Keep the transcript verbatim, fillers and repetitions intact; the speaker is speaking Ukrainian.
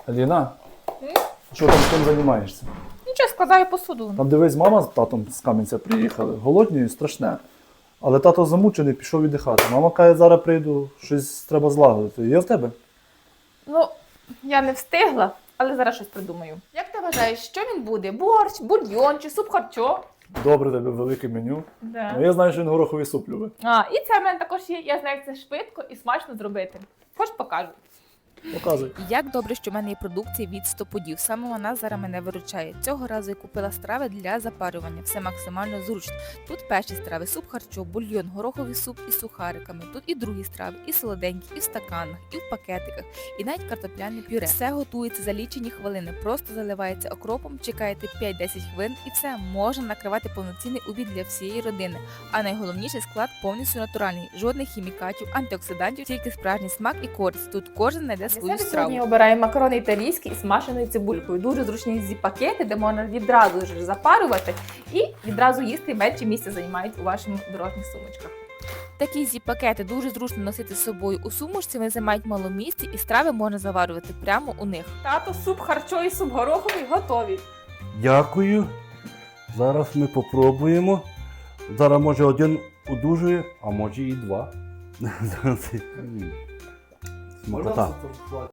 Аліна, що там чим займаєшся? Нічого, складаю посуду. Там дивись, мама з татом з Кам'янця приїхали. Голодні і страшне. Але тато замучений, пішов віддихати. Мама каже, зараз прийду, щось треба злагодити. Є в тебе? Ну, я не встигла, але зараз щось придумаю. Як ти вважаєш, що він буде? Борщ, бульйон чи суп харчо? Добре, тебе велике меню. Да. Ну, я знаю, що він гороховий суп любить. А, і це в мене також є. Я знаю, як це швидко і смачно зробити. Хоч покажу. Показуй. Як добре, що в мене є продукція від стоподів. Саме вона зараз мене виручає. Цього разу я купила страви для запарювання. Все максимально зручно. Тут перші страви, суп харчо, бульйон, гороховий суп із сухариками. Тут і другі страви, і солоденькі, і в стаканах, і в пакетиках, і навіть картопляне пюре. Все готується за лічені хвилини. Просто заливається окропом, чекаєте п'ять-десять хвилин і все, можна накривати повноцінний обід для всієї родини. А найголовніше, склад повністю натуральний. Жодних хімікатів, антиоксидантів, тільки справжній смак і користь. Тут кожен знайде свою Я страву. сьогодні обираю макарони італійські із смаженою цибулькою. Дуже зручні зіп-пакети, де можна відразу ж запарювати і відразу їсти, менше місця займають у ваших дорожніх сумочках. Такі зіп-пакети дуже зручно носити з собою у сумочці, вони займають мало місця і страви можна заварювати прямо у них. Тато, суп харчо і суп гороховий готові. Дякую. Зараз ми попробуємо. Зараз може один одужує, а може і два. Смакота.